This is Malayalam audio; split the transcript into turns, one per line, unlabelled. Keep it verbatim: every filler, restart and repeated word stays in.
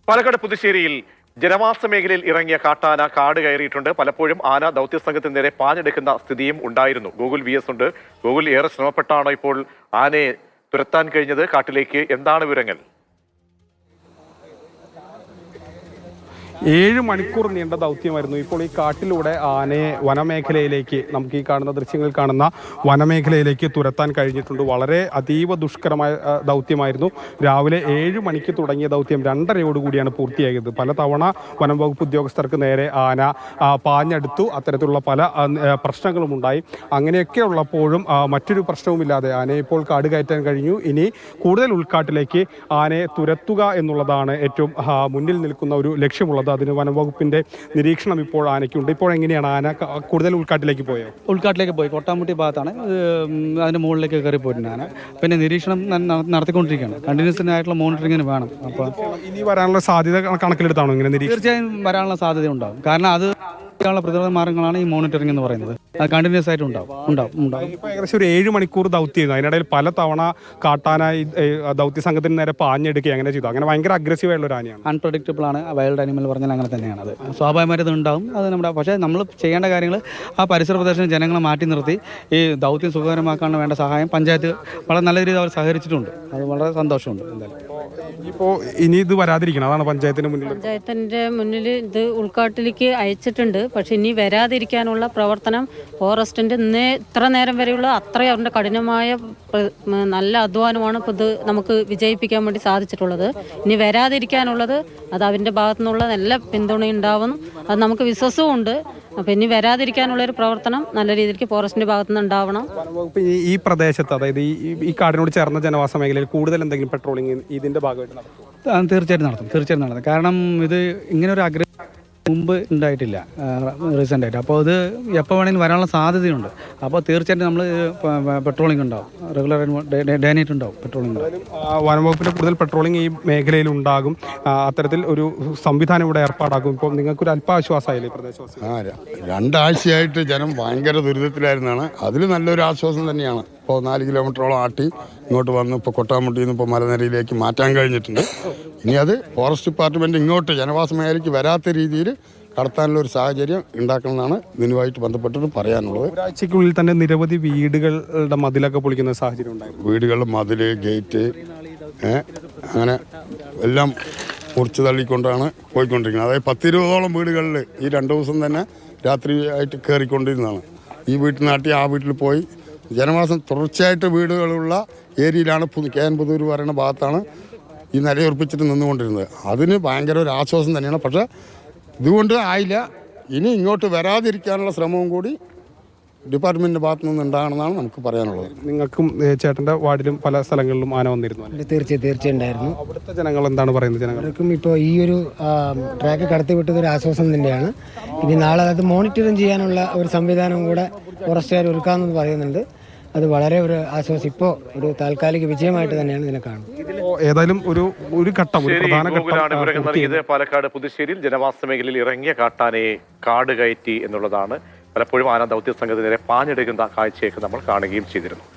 പാലക്കാട് പുതുശ്ശേരിയിൽ ജനവാസ മേഖലയിൽ ഇറങ്ങിയ കാട്ടാന കാട് കയറിയിട്ടുണ്ട്. പലപ്പോഴും ആന ദൗത്യസംഘത്തിന് നേരെ പാഞ്ഞെടുക്കുന്ന സ്ഥിതിയും ഉണ്ടായിരുന്നു. ഗൂഗിൾ വി എസ് ഉണ്ട്. ഗൂഗിൾ ഏറെ ശ്രമപ്പെട്ടാണോ ഇപ്പോൾ ആനയെ തുരത്താൻ കഴിഞ്ഞത്? കാട്ടിലേക്ക് എന്താണ് വിവരങ്ങൾ?
ഏഴ് മണിക്കൂർ നീണ്ട ദൗത്യമായിരുന്നു. ഇപ്പോൾ ഈ കാട്ടിലൂടെ ആനയെ വനമേഖലയിലേക്ക്, നമുക്ക് ഈ കാണുന്ന ദൃശ്യങ്ങളിൽ കാണുന്ന വനമേഖലയിലേക്ക് തുരത്താൻ കഴിഞ്ഞിട്ടുണ്ട്. വളരെ അതീവ ദുഷ്കരമായ ദൗത്യമായിരുന്നു. രാവിലെ ഏഴ് മണിക്ക് തുടങ്ങിയ ദൗത്യം രണ്ടരയോടുകൂടിയാണ് പൂർത്തിയായത്. പല തവണ വനം വകുപ്പ് ഉദ്യോഗസ്ഥർക്ക് നേരെ ആന പാഞ്ഞെടുത്തു. അത്തരത്തിലുള്ള പല പ്രശ്നങ്ങളും ഉണ്ടായി. അങ്ങനെയൊക്കെ ഉള്ളപ്പോഴും മറ്റൊരു പ്രശ്നവുമില്ലാതെ ആനയെ ഇപ്പോൾ കാട് കയറ്റാൻ കഴിഞ്ഞു. ഇനി കൂടുതൽ ഉൾക്കാട്ടിലേക്ക് ആനയെ തുരത്തുക എന്നുള്ളതാണ് ഏറ്റവും മുന്നിൽ നിൽക്കുന്ന ഒരു ലക്ഷ്യമുള്ളത്. അതിന് വനംവകുപ്പിന്റെ നിരീക്ഷണം ഇപ്പോൾ ആനയ്ക്കുണ്ട്. ഇപ്പോൾ എങ്ങനെയാണ് ആന കൂടുതൽ ഉൾക്കാട്ടിലേക്ക് പോയോ?
ഉൾക്കാട്ടിലേക്ക് പോയി. കൊട്ടാമുട്ടി ഭാഗത്താണ്, അതിന്റെ മുകളിലേക്ക് കയറി പോയിട്ടുണ്ട് ആന. പിന്നെ നിരീക്ഷണം നടത്തിക്കൊണ്ടിരിക്കുകയാണ്. കണ്ടിന്യൂസ് ആയിട്ടുള്ള മോണിറ്ററിങ്ങിന് വേണം. അപ്പോൾ
ഇനി വരാനുള്ള സാധ്യത കണക്കിലെടുത്താണോ ഇങ്ങനെ നിരീക്ഷണം?
തീർച്ചയായും വരാനുള്ള സാധ്യത ഉണ്ടാവും. കാരണം അത് പ്രതിരോധ മാർഗങ്ങളാണ് ഈ മോണിറ്ററിംഗ് എന്ന് പറയുന്നത്. അത് കണ്ടിന്യൂസ് ആയിട്ട് ഉണ്ടാവും ഉണ്ടാവും ഉണ്ടാവും
ഇപ്പോൾ ഏകദേശം ഒരു ഏഴ് മണിക്കൂർ ദൗത്യം. അതിനിടയിൽ പല തവണ കാട്ടാനായി ദൗത്യ സംഘത്തിന് നേരെ പാഞ്ഞെടുക്കുക അങ്ങനെ ചെയ്തു. അങ്ങനെ ഭയങ്കര അഗ്രസീവ് ആയിട്ടുള്ള ഒരു ആനയാണ്.
അൺപ്രഡിക്റ്റബിൾ ആണ്. വൈൽഡ് ആനിമൽ പറഞ്ഞാൽ അങ്ങനെ തന്നെയാണ്. അത് സ്വാഭാവികമായിട്ട് ഉണ്ടാവും. അത് നമ്മുടെ പക്ഷേ നമ്മൾ ചെയ്യേണ്ട കാര്യങ്ങൾ ആ പരിസര പ്രദേശം ജനങ്ങളെ മാറ്റി നിർത്തി ഈ ദൗത്യം സുഖകരമാക്കാൻ വേണ്ട സഹായം പഞ്ചായത്ത് വളരെ നല്ല രീതിയിൽ അവർ സഹകരിച്ചിട്ടുണ്ട്. അത് വളരെ സന്തോഷമുണ്ട്. എന്തായാലും
ഇപ്പോൾ ഇനി ഇത് വരാതിരിക്കണം, അതാണ് പഞ്ചായത്തിന്റെ മുന്നിൽ
പഞ്ചായത്തിന്റെ മുന്നിൽ ഇത് ഉൾക്കാട്ടിലേക്ക് അയച്ചിട്ടുണ്ട്. പക്ഷെ ഇനി വരാതിരിക്കാനുള്ള പ്രവർത്തനം ഫോറസ്റ്റിന്റെ ഇന്നേ ഇത്ര നേരം വരെയുള്ള അത്രയും അവരുടെ കഠിനമായ നല്ല അധ്വാനമാണ് ഇപ്പോൾ ഇത് നമുക്ക് വിജയിപ്പിക്കാൻ വേണ്ടി സാധിച്ചിട്ടുള്ളത്. ഇനി വരാതിരിക്കാനുള്ളത് അത് അവരുടെ ഭാഗത്തു നിന്നുള്ള നല്ല പിന്തുണയുണ്ടാവും. അത് നമുക്ക് വിശ്വാസവും ഉണ്ട്. അപ്പം ഇനി വരാതിരിക്കാനുള്ളൊരു പ്രവർത്തനം നല്ല രീതിക്ക് ഫോറസ്റ്റിന്റെ ഭാഗത്തു നിന്ന് ഉണ്ടാവണം.
ഈ പ്രദേശത്ത്, അതായത് ഈ കാടിനോട് ചേർന്ന ജനവാസ മേഖലയിൽ കൂടുതൽ എന്തെങ്കിലും പെട്രോളിംഗ് ഇതിന്റെ ഭാഗമായിട്ട് നടത്തും?
തീർച്ചയായിട്ടും നടത്തും തീർച്ചയായിട്ടും നടത്തും കാരണം ഇത് ഇങ്ങനെ ഒരു അഗ്രഹം മുമ്പ് ഉണ്ടായിട്ടില്ല റീസെൻ്റ് ആയിട്ട്. അപ്പോൾ ഇത് എപ്പോൾ വേണമെങ്കിലും വരാനുള്ള സാധ്യതയുണ്ട്. അപ്പോൾ തീർച്ചയായിട്ടും നമ്മൾ പെട്രോളിംഗ് ഉണ്ടാവും, റെഗുലർ ഡേ നൈറ്റ് ഉണ്ടാവും പെട്രോളിംഗ് ഉണ്ടാവും.
വനംവകുപ്പിൻ്റെ കൂടുതൽ പെട്രോളിംഗ് ഈ മേഖലയിൽ ഉണ്ടാകും. അത്തരത്തിൽ ഒരു സംവിധാനം ഇവിടെ ഏർപ്പാടാക്കും. ഇപ്പോൾ നിങ്ങൾക്കൊരു അല്പാശ്വാസമായില്ലേ പ്രദേശവാസി?
ആ രണ്ടാഴ്ചയായിട്ട് ജനം ഭയങ്കര ദുരിതത്തിലായിരുന്നാണ്. അതിൽ നല്ലൊരു ആശ്വാസം തന്നെയാണ്. ഇപ്പോൾ നാല് കിലോമീറ്ററോളം ആട്ടി ഇങ്ങോട്ട് വന്ന് ഇപ്പോൾ കൊട്ടാമുട്ടിയിൽ നിന്ന് ഇപ്പോൾ മലനിരയിലേക്ക് മാറ്റാൻ കഴിഞ്ഞിട്ടുണ്ട്. ഇനി അത് ഫോറസ്റ്റ് ഡിപ്പാർട്ട്മെൻറ്റ് ഇങ്ങോട്ട് ജനവാസ മേഖലയ്ക്ക് വരാത്ത രീതിയിൽ കടത്താനുള്ള ഒരു സാഹചര്യം ഉണ്ടാക്കണമെന്നാണ് ഇതിനുമായിട്ട് ബന്ധപ്പെട്ടിട്ട് പറയാനുള്ളത്.
ഒരാഴ്ചയ്ക്കുള്ളിൽ തന്നെ നിരവധി വീടുകളുടെ മതിലൊക്കെ പൊളിക്കുന്ന സാഹചര്യം ഉണ്ടായിരുന്നു.
വീടുകളുടെ മതിൽ, ഗേറ്റ് അങ്ങനെ എല്ലാം മുറിച്ച് തള്ളിക്കൊണ്ടാണ് പോയിക്കൊണ്ടിരിക്കുന്നത്. അതായത് പത്തിരുപതോളം വീടുകളിൽ ഈ രണ്ട് ദിവസം തന്നെ രാത്രി ആയിട്ട് കയറിക്കൊണ്ടിരുന്നതാണ്. ഈ വീട്ടിൽ നാട്ടി ആ വീട്ടിൽ പോയി ജനവാസം തുടർച്ചയായിട്ട് വീടുകളുള്ള ഏരിയയിലാണ് കെ എൻ പുതൂർ പറയുന്ന ഭാഗത്താണ് ഈ നിലയുറപ്പിച്ചിട്ട് നിന്നുകൊണ്ടിരുന്നത്. അതിന് ഭയങ്കര ഒരു ആശ്വാസം തന്നെയാണ്. പക്ഷേ ഇതുകൊണ്ട് ആയില്ല. ഇനി ഇങ്ങോട്ട് വരാതിരിക്കാനുള്ള ശ്രമവും കൂടി ഡിപ്പാർട്ട്മെൻറ്റിൻ്റെ ഭാഗത്തു നിന്ന് ഉണ്ടാകണമെന്നാണ് നമുക്ക് പറയാനുള്ളത്.
നിങ്ങൾക്കും ചേട്ടൻ്റെ വാർഡിലും പല സ്ഥലങ്ങളിലും ആന വന്നിരുന്നു?
തീർച്ചയായും തീർച്ചയായും ഉണ്ടായിരുന്നു.
അവിടുത്തെ ജനങ്ങൾ എന്താണ് പറയുന്നത്?
ജനങ്ങൾക്കും ഇപ്പോൾ ഈ ഒരു ട്രാക്ക് കടത്തി വിട്ടത് ഒരു ആശ്വാസം തന്നെയാണ്. ഇനി നാളെ അത് മോണിറ്ററിങ് ചെയ്യാനുള്ള ഒരു സംവിധാനം കൂടെ ഫോറസ്റ്റുകാർ ഒരുക്കാമെന്ന് പറയുന്നുണ്ട്. അത് വളരെ ഒരു ആശ്വാസം, ഇപ്പോൾ ഒരു താൽക്കാലിക വിജയമായിട്ട് തന്നെയാണ് ഇതിനെ കാണുന്നത്.
ഏതായാലും ഒരു ഒരു ഘട്ടം
നൽകിയത് പാലക്കാട് പുതുശ്ശേരിയിൽ ജനവാസ മേഖലയിൽ ഇറങ്ങിയ കാട്ടാനയെ കാട് കയറ്റി എന്നുള്ളതാണ്. പലപ്പോഴും ആന ദൗത്യ സംഘത്തിന് നേരെ പാഞ്ഞെടുക്കുന്ന കാഴ്ചയൊക്കെ നമ്മൾ കാണുകയും ചെയ്തിരുന്നു.